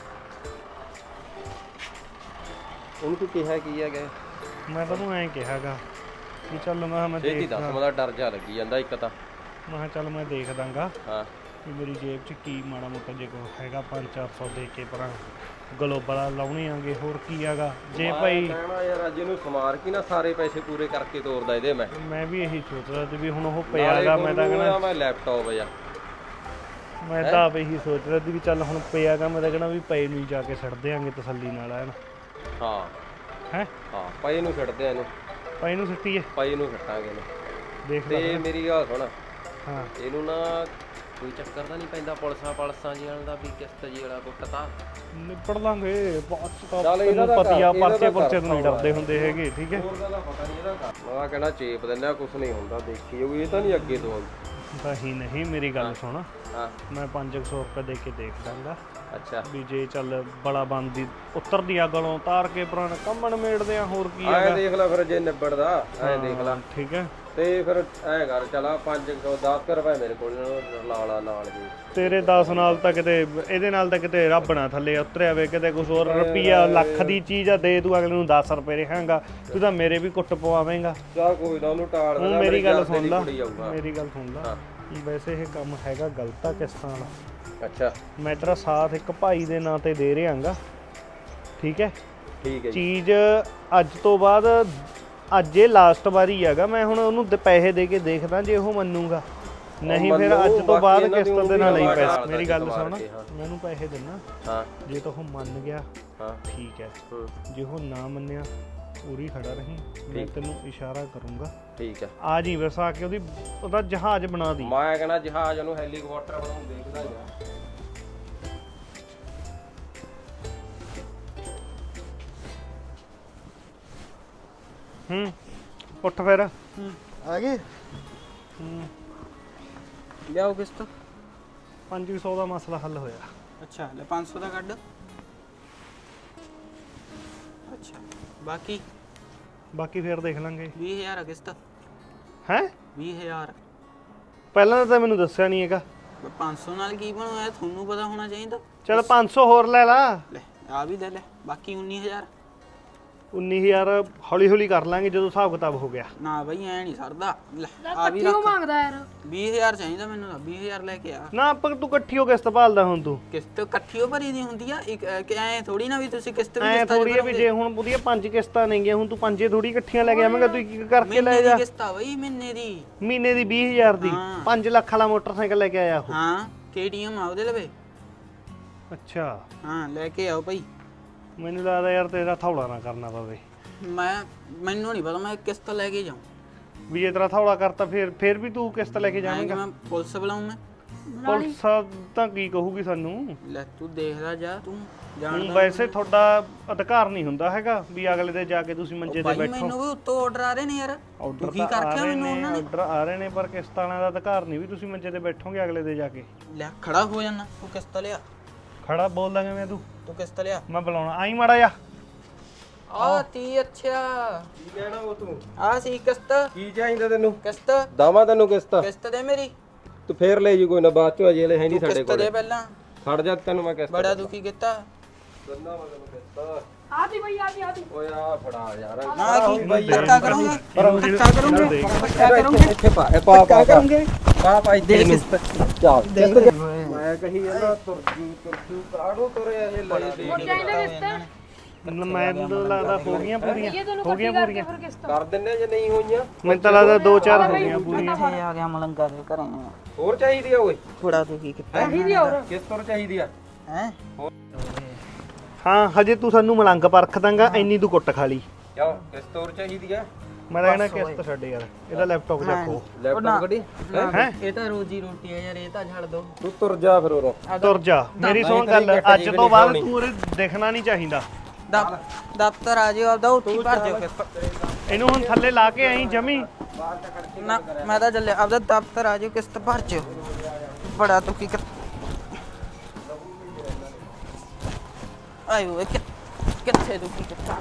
ਉਹਨੂੰ ਤੂੰ ਕਿਹਾ ਕੀ ਹੈਗਾ
ਮੈਂ ਤੈਨੂੰ ਐਂ ਕਿਹਾਗਾ ਵੀ ਚੱਲ ਮੈਂ
ਛੇਤੀ
ਦੇਖ
ਦੱਸ ਮੇਰਾ ਡਰ ਜਾ ਲੱਗੀ ਜਾਂਦਾ ਇੱਕ ਤਾਂ
ਮੈਂ ਕਿਹਾ ਚੱਲ ਮੈਂ ਦੇਖ ਦਾਂਗਾ
ਹਾਂ
ਵੀ ਮੇਰੀ ਜੇਬ 'ਚ ਕੀ ਮਾੜਾ ਮੋਟਾ ਜੇ ਕੋ ਹੈਗਾ 500-400 ਦੇ ਕੇ ਪਰਾਂ ਗਲੋਬਲ ਲਾਉਣੇ ਆਂਗੇ ਹੋਰ ਕੀ ਹੈਗਾ ਜੇ ਭਾਈ
ਕਹਿਣਾ ਯਾਰ ਅੱਜ ਇਹਨੂੰ ਸਮਾਰ ਕੇ ਨਾ ਸਾਰੇ ਪੈਸੇ ਪੂਰੇ ਕਰਕੇ ਤੋਰਦਾ ਇਹਦੇ ਮੈਂ
ਵੀ ਇਹੀ ਸੋਚ ਰਿਹਾ ਸੀ ਵੀ ਹੁਣ ਉਹ ਪਿਆਗਾ ਮੈਂ ਤਾਂ ਕਹਿੰਦਾ
ਮੈਂ ਲੈਪਟਾਪ ਆ
ਮੈਂ ਤਾਂ ਆਪ ਇਹੀ ਸੋਚ ਰਿਹਾ ਸੀ ਵੀ ਚੱਲ ਹੁਣ ਪਿਆਗਾ ਮੈਂ ਤਾਂ ਕਹਿੰਦਾ ਵੀ ਪਏ ਨੂੰ ਹੀ ਜਾ ਕੇ ਛੱਡ ਦਿਆਂਗੇ ਤਸੱਲੀ ਨਾਲ ਐਨ
ਹਾਂ
ਹੈ
ਹਾਂ ਪਈ ਨੂੰ ਛੱਡਦੇ ਆ ਇਹਨੂੰ
ਪਏ ਨੂੰ ਸਿੱਟੀਏ
ਪਈ ਨੂੰ ਛੱਟਾਂਗੇ ਇਹਨੂੰ
ਦੇਖ ਲੈ
ਤੇ ਮੇਰੀ ਗੱਲ ਸੁਣ
ਹਾਂ
ਇਹਨੂੰ ਨਾ ਕੋਈ ਚੱਕਰ ਤਾਂ ਨਹੀਂ ਪੈਂਦਾ ਪੁਲਸਾਂ ਜੀ ਵਾਲਾ ਦਾ ਵੀ ਕਿਸ਼ਤ ਜੀ ਵਾਲਾ ਕੁੱਟਤਾ
ਨਿਪੜ ਲਾਂਗੇ ਬਾਅਦ ਚ ਤਾਂ
ਚੱਲ ਇਹਦਾ
ਤੈਨੂੰ
ਤਾਂ
ਪਤੀ ਆ
ਕਰ, ਇਹਦਾ
ਪਰਚੇ
ਤਾਂ
ਪੁਰਚੇ ਤੋਂ ਨਹੀਂ
ਕਰ
ਡਰਦੇ ਹੁੰਦੇ ਹੈਗੇ ਠੀਕ ਹੈ
ਹੋਰ ਦਾ ਪਤਾ ਨਹੀਂ ਇਹਦਾ ਮੈਂ ਕਹਿਣਾ ਚੇਪ ਦਿੰਦਾ ਕੁਝ ਨਹੀਂ ਹੁੰਦਾ ਦੇਖੀ ਜਾਊਗੀ ਇਹ ਤਾਂ ਨਹੀਂ ਅੱਗੇ ਤੋਂ
ਨਹੀਂ ਮੇਰੀ ਗੱਲ ਸੁਣ
ਹਾਂ
ਮੈਂ 500 ਰੁਪਏ ਦੇ ਕੇ ਦੇਖ ਦਾਂਗਾ
ਅੱਛਾ
ਵੀ ਜੇ ਚੱਲ ਬੜਾ ਬੰਦੀ ਉੱਤਰਦੀ ਆ ਗਲੋਂ ਤਾਰ ਕੇ ਪੁਰਾਣਾ ਕੰਮਣ ਮੇੜਦੇ ਆ ਹੋਰ ਕੀ
ਐ
ਹੈਗਾ
ਦੇਖ ਲੈ ਫਿਰ ਜੇ ਨਿਬੜਦਾ ਐ ਦੇਖ ਲੈ
ਠੀਕ ਹੈ
ਤੇ ਫਿਰ ਐ ਕਰ ਚਲਾ 510 ਰੁਪਏ ਮੇਰੇ ਕੋਲ ਲਾਲਾ ਨਾਲ ਜੀ
ਤੇਰੇ 10 ਨਾਲ ਤਾਂ ਕਿਤੇ ਇਹਦੇ ਨਾਲ ਤਾਂ ਕਿਤੇ ਰੱਬ ਨਾ ਥੱਲੇ ਉਤਰਿਆ ਵੇ ਕਿਤੇ ਕੁਝ ਹੋਰ ਰੁਪਈਆ ਲੱਖ ਦੀ ਚੀਜ਼ ਆ ਦੇ ਤੂੰ ਅਗਲੇ ਨੂੰ 10 ਰੁਪਏ ਰਹਾਂਗਾ ਤੂੰ ਤਾਂ ਮੇਰੇ ਵੀ ਕੁੱਟ ਪਵਾਵੇਂਗਾ
ਜਾ ਕੋਈ ਨਾ ਉਹਨੂੰ ਟਾਲ
ਹੁਣ
ਦੇਣਾ
ਮੇਰੀ ਗੱਲ
ਮੇਰੇ
ਸੁਣ ਲਾ
ਕੁੜੀ ਆਊਗਾ।
ਮੇਰੀ ਗੱਲ ਸੁਣ ਲਾ ਵੈਸੇ ਇਹ ਕੰਮ ਹੈਗਾ ਗਲਤ ਆ ਕਿਸ਼ਤਾਂ ਵਾਲਾ
ਅੱਛਾ
ਮੈਂ ਤੇਰਾ ਸਾਥ ਇੱਕ ਭਾਈ ਦੇ ਨਾਂ ਤੇ ਦੇ ਰਿਹਾਂਗਾ ਠੀਕ ਹੈ
ਠੀਕ ਹੈ ਜੀ
ਚੀਜ਼ ਅੱਜ ਤੋਂ ਬਾਅਦ ਅੱਜ ਇਹ ਲਾਸਟ ਵਾਰੀ ਹੈਗਾ ਮੈਂ ਹੁਣ ਉਹਨੂੰ ਪੈਸੇ ਦੇ ਕੇ ਦੇਖਦਾ ਜੇ ਉਹ ਮੰਨੂਗਾ ਨਹੀਂ ਫਿਰ
ਮੰਨੂ,
ਅੱਜ ਤੋਂ ਬਾਅਦ
ਬਾਕੀ ਇਹਨਾਂ ਦੀ
ਕਿਸ਼ਤ ਦੇ ਨਾਲ ਹੀ
ਉਮਰ
ਪੈਸੇ
ਨਾਲ
ਮੇਰੀ
ਦਾ
ਗੱਲ
ਮਾਰ
ਸੁਣ
ਕੇ, ਹਾਂ।
ਮੈਂ ਉਹਨੂੰ ਪੈਸੇ ਦਿੰਨਾ
ਹਾਂ
ਜੇ ਤਾਂ ਉਹ ਮੰਨ ਗਿਆ
ਹਾਂ
ਠੀਕ ਹੈ
ਹੂੰ,
ਜੇ ਉਹ ਨਾ ਮੰਨਿਆ ਉਰੀ ਖੜਾ ਰਹੀਂ ਮੈਂ
ਠੀਕ।
ਤੈਨੂੰ ਇਸ਼ਾਰਾ ਕਰੂੰਗਾ
ਠੀਕ ਹੈ
ਆ ਜੀ ਬਸ ਆ ਕੇ ਉਹਦਾ ਜਹਾਜ਼ ਬਣਾ ਦੀ
ਮੈਂ ਕਹਿੰਦਾ ਜਹਾਜ਼ ਨੂੰ ਹੈਲੀਕਾਪਟਰ ਬਣਾਉਂ ਦੇਖਦਾ ਯਾਰ
ਉੱਠ ਫਿਰ
ਆ ਗਏ ਲਿਆਓ ਕਿਸ਼ਤ
500 ਦਾ ਮਸਲਾ ਹੱਲ ਹੋਇਆ
ਅੱਛਾ ਲੈ 500 ਦਾ ਕੱਢ ਅੱਛਾ ਬਾਕੀ
ਬਾਕੀ ਫਿਰ ਦੇਖ ਲਾਂਗੇ
20000 ਆ ਕਿਸ਼ਤ
ਹੈ
20000
ਪਹਿਲਾਂ ਤਾਂ ਮੈਨੂੰ ਦੱਸਿਆ ਨਹੀਂ ਹੈਗਾ
500 ਨਾਲ ਕੀ ਬਣਾਇਆ ਤੁਹਾਨੂੰ ਪਤਾ ਹੋਣਾ ਚਾਹੀਦਾ
ਚਲ 500 ਹੋਰ ਲੈ ਲਾ
ਲੈ ਆ ਵੀ ਲੈ ਲੈ ਬਾਕੀ 19000
19000 ਹੌਲੀ ਹੌਲੀ ਕਰ ਲਾਂਗੇ ਜਦੋਂ ਹਿਸਾਬ ਕਿਤਾਬ ਹੋ ਗਿਆ
ਨਾ ਬਈ ਐ ਨਹੀਂ ਸਰਦਾ ਲੈ ਆ ਵੀ
ਕਿਉਂ
ਰੱਖ
ਮੰਗਦਾ ਯਾਰ
20000 ਚਾਹੀਦਾ ਮੈਨੂੰ ਤਾਂ 20000 ਲੈ ਕੇ ਆ
ਨਾ ਪਰ ਤੂੰ ਇਕੱਠੀ ਹੋ ਕਿਸ਼ਤ ਭਾਲਦਾ ਹੁਣ ਤੂੰ
ਕਿਸ਼ਤ ਇਕੱਠੀ ਹੋ ਭਰੀ ਦੀ ਹੁੰਦੀ ਆ ਇੱਕ ਐ ਥੋੜੀ ਨਾ ਵੀ ਤੁਸੀਂ ਕਿਸ਼ਤ ਵੀ
ਐ
ਕਿਸ਼ਤਾਂ 'ਚ
ਥੋੜੀ ਵੀ
ਭਰੋਗੇ।
ਜੇ ਹੁਣ ਉਹਦੀਆਂ 5 ਕਿਸ਼ਤਾਂ ਨੇਗੀਆਂ ਹੁਣ ਤੂੰ ਪੰਜੇ ਥੋੜੀ ਇਕੱਠੀਆਂ ਲੈ ਕੇ ਆਵੇਂਗਾ ਤੂੰ ਇੱਕ ਇੱਕ ਕਰਕੇ ਲੈ
ਮਹੀਨੇ
ਜਾ
ਦੀ ਕਿਸ਼ਤ ਆ ਬਈ ਮਹੀਨੇ ਦੀ
ਮਹੀਨੇ ਦੀ 20000 ਦੀ
ਹਾਂ।
5 ਲੱਖ ਵਾਲਾ ਮੋਟਰਸਾਈਕਲ ਲੈ ਕੇ ਆਇਆ ਉਹ
ਹਾਂ KTM ਆ ਉਹਦੇ ਲਵੇ
ਅੱਛਾ
ਹਾਂ ਲੈ ਕੇ ਆਓ ਭਾਈ
ਮੈਨੂੰ ਲੱਗਦਾ ਯਾਰ ਤੇਰਾ ਥੌਲਾ ਨਾ ਕਰਨਾ ਪਵੇ
ਮੈਨੂੰ ਨਹੀਂ ਪਤਾ ਮੈਂ ਕਿਸ਼ਤ ਲੈ ਕੇ ਜਾਉਂ
ਵੀ ਜੇ ਤੇਰਾ ਥੌਲਾ ਕਰਤਾ ਫਿਰ ਵੀ ਤੂੰ ਕਿਸ਼ਤ ਲੈ ਕੇ ਜਾਵੇਂਗਾ
ਮੈਂ ਪੁਲਿਸ ਬੁਲਾਉਂ ਮੈਂ
ਪੁਲਿਸ ਤਾਂ ਕੀ ਕਹੂਗੀ ਸਾਨੂੰ
ਲੈ ਤੂੰ ਦੇਖਦਾ ਜਾ ਤੂੰ
ਹੁਣ
ਜਾਣਦਾ
ਵੈਸੇ ਤੁਹਾਡਾ ਅਧਿਕਾਰ ਨਹੀਂ ਹੁੰਦਾ ਹੈਗਾ ਵੀ ਅਗਲੇ ਦੇ ਜਾ ਕੇ ਤੁਸੀਂ ਮੰਜੇ ਤੇ
ਭਾਈ
ਬੈਠੋ
ਮੈਨੂੰ ਵੀ ਉੱਤੋਂ ਆਰਡਰ ਆ ਰਹੇ ਨੇ ਯਾਰ
ਆਰਡਰ
ਦੁਖੀ
ਤਾਂ ਆ
ਕਰਕੇ
ਰਹੇ
ਮੈਨੂੰ
ਨੇ
ਉਹਨਾਂ ਨੇ
ਆਰਡਰ ਆ ਰਹੇ ਨੇ ਪਰ ਕਿਸ਼ਤਾਂ ਵਾਲਿਆਂ ਦਾ ਅਧਿਕਾਰ ਨਹੀਂ ਵੀ ਤੁਸੀਂ ਮੰਜੇ ਤੇ ਬੈਠੋਗੇ ਅਗਲੇ ਦੇ ਜਾ ਕੇ
ਲੈ ਖੜਾ ਹੋ ਜਾਣਾ ਤੂੰ ਕਿਸ਼ਤ ਲਿਆ
ਖੜਾ ਬੋਲ ਦਾਂਗੇ ਮੈਂ ਤੂੰ
ਕਿਸ਼ਤ ਲਿਆ
ਮੈਂ ਬੁਲਾਉਣਾ ਆਈ ਮਾੜਾ ਜਾ
ਆ ਤੀ ਅੱਛਾ
ਕੀ ਕਹਿਣਾ ਉਹ ਤੂੰ
ਆ ਸੀ ਕਿਸ਼ਤ
ਕੀ ਚਾਹੀਦਾ ਤੈਨੂੰ
ਕਿਸ਼ਤ
ਦਾਵਾ ਤੈਨੂੰ ਕਿਸ਼ਤ
ਕਿਸ਼ਤ ਦੇ ਮੇਰੀ
ਤੂੰ ਫੇਰ ਲੈ ਜੀ ਕੋਈ ਨਾ ਬਾਅਦ ਚੋਂ ਅਜੇ ਲੈ ਹੈ ਨਹੀਂ ਸਾਡੇ
ਕਿਸ਼ਤ
ਕੋਲ
ਦੇ ਪਹਿਲਾਂ
ਖੜ ਜਾ ਤੈਨੂੰ ਮੈਂ ਕਿਸ਼ਤ
ਬੜਾ ਦੁਖੀ ਕੀਤਾ
ਦਿੰਦਾ ਮੈਂ ਤੈਨੂੰ ਕਿਸ਼ਤ
ਆਦੀ ਬਈ ਆਦੀ
ਓਏ ਆ ਫੜਾ ਯਾਰ
ਨਾ ਕੀ ਧੱਕਾ ਕਰੂੰਗਾ ਧੱਕਾ ਕਰੂੰਗੇ
ਇੱਥੇ ਪਾ ਇਹ ਪਾ ਪਾ ਇੱਥੇ ਨੂੰ ਚੱਲ ਮੈਂ ਕਹੀ ਜਾਂਦਾ ਤੁਰਜੂ ਕਾੜੂ ਤੁਰੇ ਇਹ ਲੈ ਦੇ
ਚਾਹੀਦਾ ਕਿਸ਼ਤ
ਮੈਨੂੰ ਤਾਂ ਲੱਗਦਾ ਹੋ ਗਈਆਂ ਪੂਰੀਆਂ ਹੋ ਗਈਆਂ ਪੂਰੀਆਂ
ਫਿਰ ਕਿਸ਼ਤ
ਕਰ ਦਿੰਨੇ ਜੇ ਨਹੀਂ ਹੋਈਆਂ
ਮੈਨੂੰ ਤਾਂ ਲੱਗਦਾ 2-4 ਹੋ ਗਈਆਂ ਪੂਰੀਆਂ
ਇੱਥੇ ਆ ਗਿਆ ਮਲੰਗਾ ਦੇ ਘਰੇ
ਹੋਰ ਚਾਹੀਦੀ ਆ ਓਏ
ਥੋੜਾ ਤੂੰ ਕੀ ਕੀਤਾ
ਕਿਸ ਤਰ੍ਹਾਂ ਚਾਹੀਦੀ ਆ
ਹੈ
ਹਾਂ ਹਜੇ ਤੂੰ ਸਾਨੂੰ ਮਲੰਗ ਪਰਖ ਦਾਂਗਾ ਇੰਨੀ ਤੂੰ ਕੁੱਟ ਖਾ ਲਈ
ਕਿਉਂ ਕਿਸ ਤਰ੍ਹਾਂ ਚਾਹੀਦੀ ਆ
ਮੈਂ ਤਾਂ ਕਹਿਣਾ ਕਿਸ਼ਤ ਛੱਡ ਯਾਰ ਇਹਦਾ ਲੈਪਟਾਪ ਚੱਕੋ
ਲੈਪਟਾਪ ਕੱਢੀ
ਹੈ
ਇਹ ਤਾਂ ਰੋਜੀ ਰੋਟੀ ਹੈ ਯਾਰ ਇਹ ਤਾਂ ਛੱਡ ਦੋ
ਤੂੰ ਤੁਰ ਜਾ ਫਿਰ ਉਰੋਂ
ਤੁਰ ਜਾ ਮੇਰੀ ਸੁਣ ਗੱਲ ਅੱਜ ਤੋਂ ਬਾਅਦ ਤੂੰ ਉਰੇ ਦਿਖਣਾ ਨਹੀਂ ਚਾਹੀਦਾ
ਦਫ਼ਤਰ ਆ ਜਿਓ ਆਪਦਾ ਉੱਥੇ ਭਰ ਜਿਓ ਕਿਸ਼ਤ
ਇਹਨੂੰ ਹੁਣ ਥੱਲੇ ਲਾ ਕੇ ਆਈ ਜਮੀ
ਨਾ ਮੈਂ ਤਾਂ ਚੱਲਿਆ ਆਪਦਾ ਦਫ਼ਤਰ ਆ ਜਿਓ ਕਿਸ਼ਤ ਭਰ ਜਿਓ ਬੜਾ ਤੂੰ ਕੀ ਕਰ ਆਇਓ ਕਿੱਥੇ ਤੂੰ ਕੀ ਕਰਦਾ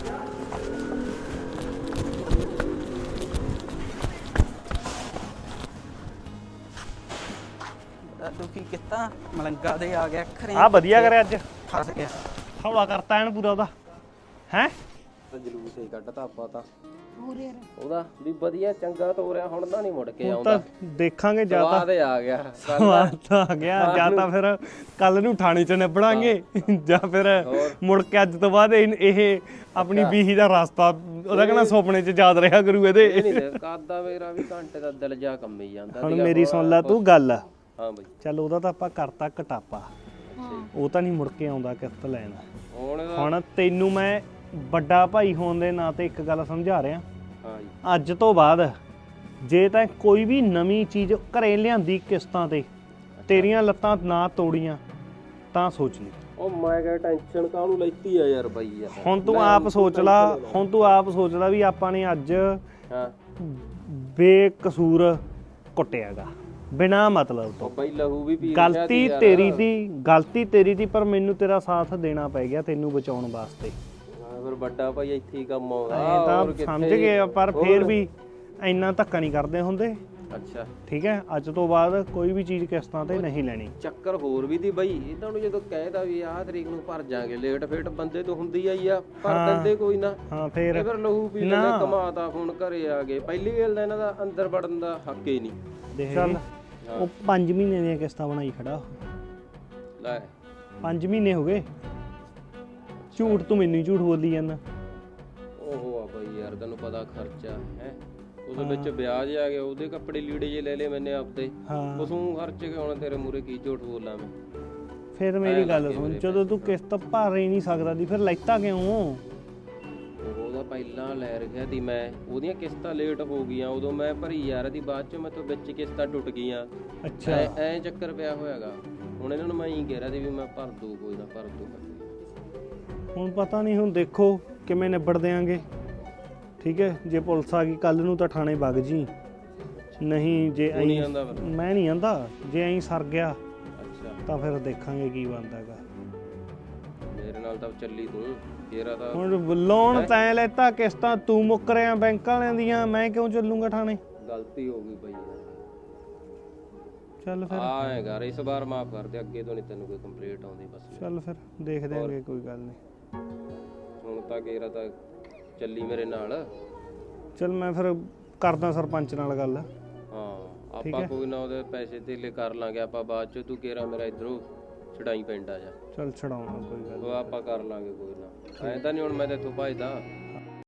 ਤੂੰ ਕੀ ਕੀਤਾ ਮਲੰਗਾ ਦੇ ਆ ਗਿਆ ਖਰੇ
ਆ ਵਧੀਆ ਕਰਿਆ ਅੱਜ
ਫਸ ਗਿਆ
ਹੌਲਾ ਕਰਤਾ ਐਨ ਪੂਰਾ ਉਹਦਾ ਹੈ
ਜਲੂਸ ਹੀ ਕੱਢਤਾ ਆਪਾਂ ਤਾਂ ਉਹਦਾ ਵੀ ਵਧੀਆ ਚੰਗਾ ਤੋਰਿਆ ਹੁਣ ਤਾਂ ਨਹੀਂ ਮੁੜ ਕੇ
ਤਾਂ
ਆਉਂਦਾ
ਦੇਖਾਂਗੇ ਜਾਂ ਤਾਂ
ਸਵਾਦ ਆ ਗਿਆ
ਸਵਾਦ ਤਾਂ ਆ ਗਿਆ ਜਾਂ ਤਾਂ ਫਿਰ ਕੱਲ ਨੂੰ ਥਾਣੇ 'ਚ ਨਿਬੜਾਂਗੇ ਜਾਂ ਫਿਰ ਮੁੜ ਕੇ ਅੱਜ ਤੋਂ ਬਾਅਦ ਇਹ ਆਪਣੀ ਬੀਹੀ ਦਾ ਰਸਤਾ ਉਹਦਾ ਕਹਿੰਦਾ ਸੁਪਨੇ 'ਚ ਯਾਦ ਰਿਹਾ ਕਰੂ ਇਹਦੇ
ਨਹੀਂ ਕਾਦਾ ਮੇਰਾ ਵੀ ਘੰਟੇ ਦਾ ਦਿਲ ਜਾ ਕੰਮੀ ਜਾਂਦਾ
ਹੁਣ ਮੇਰੀ ਸੁਣ ਲੈ ਤੂੰ ਗੱਲ
ਹਾਂ ਬਈ
ਚੱਲ ਉਹਦਾ ਤਾਂ ਆਪਾਂ ਕਰਤਾ ਘਟਾਪਾ ਉਹ ਤਾਂ ਨਹੀਂ ਮੁੜ ਕੇ ਆਉਂਦਾ ਕਿਸ਼ਤ ਲੈਣ ਹੁਣ ਤੈਨੂੰ ਮੈਂ ਵੱਡਾ ਭਾਈ ਹੋਣ ਦੇ ਨਾਂ ਤੇ ਇੱਕ ਗੱਲ ਸਮਝਾ ਰਿਹਾ
ਹਾਂ ਜੀ
ਅੱਜ ਤੋਂ ਬਾਅਦ ਜੇ ਤਾਂ ਕੋਈ ਵੀ ਨਵੀਂ ਚੀਜ਼ ਘਰੇ ਲਿਆਂਦੀ ਕਿਸ਼ਤਾਂ ਤੇ ਤੇਰੀਆਂ ਲੱਤਾਂ ਨਾ ਤੋੜੀਆਂ ਤਾਂ ਸੋਚ ਲਈ
ਉਹ ਮੈਂ ਕਿਹਾ ਟੈਨਸ਼ਨ ਕਾਹਨੂੰ ਲੈਤੀ ਆ ਯਾਰ ਬਾਈ ਯਾਰ
ਹੁਣ ਤੂੰ ਆਪ ਸੋਚ ਲਾ ਵੀ ਆਪਾਂ ਨੇ ਅੱਜ
ਹਾਂ
ਬੇਕਸੂਰ ਕੁੱਟਿਆਗਾ ਬਿਨਾ ਮਤਲਬ ਤੋਂ
ਉਹ ਬਾਈ ਲਹੂ ਵੀ ਪੀ
ਗਲਤੀ ਤੇਰੀ ਦੀ ਪਰ ਮੈਨੂੰ ਤੇਰਾ ਸਾਥ ਦੇਣਾ ਪੈ ਗਿਆ ਤੈਨੂੰ ਬਚਾਉਣ ਵਾਸਤੇ
ਫਿਰ ਵੱਡਾ ਭਾਈ ਇੱਥੇ ਹੀ ਕੰਮ ਆਉਂਦਾ
ਇਹ ਤਾਂ ਸਮਝ ਗਏ ਪਰ ਫੇਰ ਵੀ ਇੰਨਾ ਧੱਕਾ ਨਹੀਂ ਕਰਦੇ ਹੁੰਦੇ
ਅੱਛਾ
ਠੀਕ ਹੈ ਅੱਜ ਤੋਂ ਬਾਅਦ ਕੋਈ ਵੀ ਚੀਜ਼ ਕਿਸ਼ਤਾਂ ਤੇ ਨਹੀਂ ਲੈਣੀ
ਚੱਕਰ ਹੋਰ ਵੀ ਦੀ ਬਾਈ ਇਹਨਾਂ ਨੂੰ ਜਦੋਂ ਕਹਿਦਾ ਵੀ ਆਹ ਤਰੀਕ ਨੂੰ ਭਰ ਜਾਾਂਗੇ ਲੇਟ ਫੇਟ ਬੰਦੇ ਤੋਂ ਹੁੰਦੀ ਆਈ ਆ ਭਰ ਦਿੰਦੇ ਕੋਈ ਨਾ
ਹਾਂ
ਇਹ
ਫੇਰ
ਫਿਰ ਲਹੂ ਪੀ ਲੈਂਦੇ ਕਮਾਤਾ ਹੁਣ ਘਰੇ ਆ ਗਏ ਪਹਿਲੀ ਗੱਲ ਤਾਂ ਇਹਨਾਂ ਦਾ ਅੰਦਰ ਵੜਨ ਦਾ ਹੱਕ ਹੀ ਨਹੀਂ
ਦੇਖ ਚੱਲ ਉਹ 5 ਮਹੀਨੇ ਦੀਆਂ ਕਿਸ਼ਤਾਂ ਬਣਾਈ ਖੜਾ
ਲੈ
5 ਮਹੀਨੇ ਹੋ ਗਏ ਝੂਠ ਤੂੰ ਮੈਨੂੰ ਹੀ ਝੂਠ ਬੋਲੀ ਜਾਂਦਾ
ਓਹੋ ਆ ਬਾਈ ਯਾਰ ਤੈਨੂੰ ਪਤਾ ਖਰਚਾ ਹੈ ਉਹਦੇ ਵਿੱਚ ਵਿਆਜ ਆ ਗਿਆ ਉਹਦੇ ਕੱਪੜੇ ਲੀੜੇ ਜੇ ਲੈ ਲਏ ਮੈਨੇ ਆਪਦੇ
ਹਾਂ
ਉਸੋਂ ਖਰਚ ਕੇ ਹੁਣ ਤੇਰੇ ਮੂਰੇ ਕੀ ਝੂਠ ਬੋਲਾਂ ਮੈਂ
ਫਿਰ ਮੇਰੀ ਗੱਲ ਸੁਣ ਜਦੋਂ ਤੂੰ ਕਿਸ਼ਤ ਭਰ ਹੀ ਨਹੀਂ ਸਕਦਾ ਦੀ ਫਿਰ ਲੈਤਾ ਕਿਉਂ
ਉਹਦਾ ਪਹਿਲਾਂ ਲੈ ਰੱਖਿਆ ਸੀ ਮੈਂ ਉਹਦੀਆਂ ਕਿਸ਼ਤਾਂ ਲੇਟ ਹੋ ਗਈਆਂ ਉਦੋਂ ਮੈਂ ਭਰੀ ਯਾਰ ਦੀ ਬਾਅਦ ਚ ਮੈਂ ਤੋਂ ਵਿੱਚ ਕਿਸ਼ਤਾਂ ਟੁੱਟ ਗਈਆਂ
ਅੱਛਾ
ਐ ਚੱਕਰ ਪਿਆ ਹੋਇਆਗਾ ਹੁਣ ਇਹਨਾਂ ਨੂੰ ਮੈਂ ਹੀ ਕਹਿ ਰਿਹਾ ਸੀ ਵੀ ਮੈਂ ਭਰ ਦੂ ਕੋਈ ਨਾ ਭਰ ਦੂ
ਹੁਣ ਪਤਾ ਨਹੀਂ ਹੁਣ ਦੇਖੋ ਕਿਵੇਂ ਨਿਬੜ ਦਿਆਂਗੇ ਠੀਕ ਹੈ ਜੇ ਪੁਲਿਸ ਆ ਗਈ ਕੱਲ ਨੂੰ ਤਾਂ ਥਾਣੇ ਵਗ ਜੀ ਨਹੀਂ ਜੇ
ਨਹੀਂ ਆਂਦਾ ਫਿਰ
ਮੈਂ ਨਹੀਂ ਆਂਦਾ ਜੇ ਐਂ ਸਰ ਗਿਆ
ਅੱਛਾ
ਤਾਂ ਫਿਰ ਦੇਖਾਂਗੇ ਕੀ ਬਣਦਾਗਾ
ਮੇਰੇ ਨਾਲ ਤਾਂ ਚੱਲੀ ਤੂੰ ਫੇਰਾ ਤਾਂ
ਹੁਣ ਲੋਨ ਤੈਂ ਲੈਤਾ ਕਿਸ਼ਤਾਂ ਤੂੰ ਮੁੱਕ ਰਿਆ ਬੈਂਕ ਵਾਲਿਆਂ ਦੀਆਂ ਮੈਂ ਕਿਉਂ ਚੱਲੂਗਾ ਥਾਣੇ
ਗਲਤੀ ਹੋ ਗਈ ਬਈ ਯਾਰ
ਚੱਲ ਫਿਰ
ਆਏ ਘਰ ਇਸ ਵਾਰ ਮਾਫ ਕਰ ਦੇ ਅੱਗੇ ਤੋਂ ਨਹੀਂ ਤੈਨੂੰ ਕੋਈ ਕੰਪਲੀਟ ਆਉਂਦੀ ਬਸ
ਚੱਲ ਫਿਰ ਦੇਖ ਦਿਆਂਗੇ ਕੋਈ ਗੱਲ ਨਹੀਂ
ਹੁਣ ਤਾਂ ਕੇਰਾ ਤਾਂ ਚੱਲੀ ਮੇਰੇ ਨਾਲ
ਚੱਲ ਮੈਂ ਫਿਰ ਕਰਦਾ ਸਰਪੰਚ ਨਾਲ ਗੱਲ
ਹਾਂ ਆਪਾਂ ਕੋਈ ਨਾ ਉਹਦੇ ਪੈਸੇ ਧੇਲੇ ਕਰ ਲਾਂਗੇ ਆਪਾਂ ਬਾਅਦ ਚ ਤੂੰ ਕੇਰਾ ਮੇਰਾ ਇਧਰੋਂ ਛਡਾਈ ਪਿੰਡ ਆ ਜਾ
ਚੱਲ ਛਡਾਉਣਾ ਕੋਈ ਗੱਲ
ਉਹ ਆਪਾਂ ਕਰ ਲਾਂਗੇ ਕੋਈ ਨਾ ਐ ਤਾਂ ਨਹੀਂ ਹੁਣ ਮੈਂ ਤੇ ਇੱਥੋਂ ਭੱਜਦਾ